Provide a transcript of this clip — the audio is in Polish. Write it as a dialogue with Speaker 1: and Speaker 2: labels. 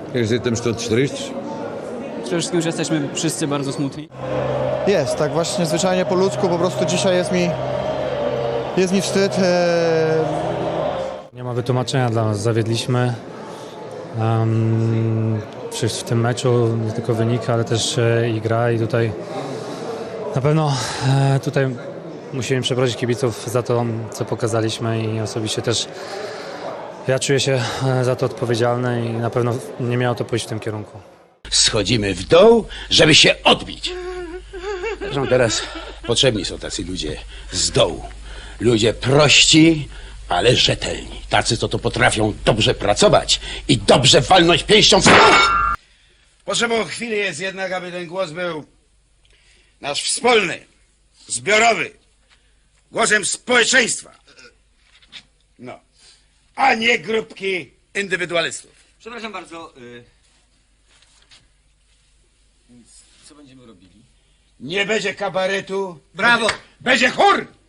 Speaker 1: Jest tym Stutt trist.
Speaker 2: Przede wszystkim, że jesteśmy wszyscy bardzo smutni.
Speaker 3: Jest, tak właśnie zwyczajnie po ludzku, po prostu dzisiaj jest mi wstyd.
Speaker 4: Nie ma wytłumaczenia dla nas, zawiedliśmy w tym meczu, nie tylko wynik, ale też i gra i tutaj na pewno tutaj musimy przeprosić kibiców za to, co pokazaliśmy i osobiście też ja czuję się za to odpowiedzialny i na pewno nie miało to pójść w tym kierunku.
Speaker 5: Schodzimy w dół, żeby się odbić. Zresztą teraz potrzebni są tacy ludzie z dołu. Ludzie prości, ale rzetelni. Tacy, co to potrafią dobrze pracować i dobrze walnąć pięścią. Potrzebą chwili jest jednak, aby ten głos był nasz wspólny, zbiorowy, głosem społeczeństwa. No, a nie grupki indywidualistów.
Speaker 6: Przepraszam bardzo, więc co będziemy robili?
Speaker 5: Nie będzie kabaretu.
Speaker 6: Brawo!
Speaker 5: Będzie chór!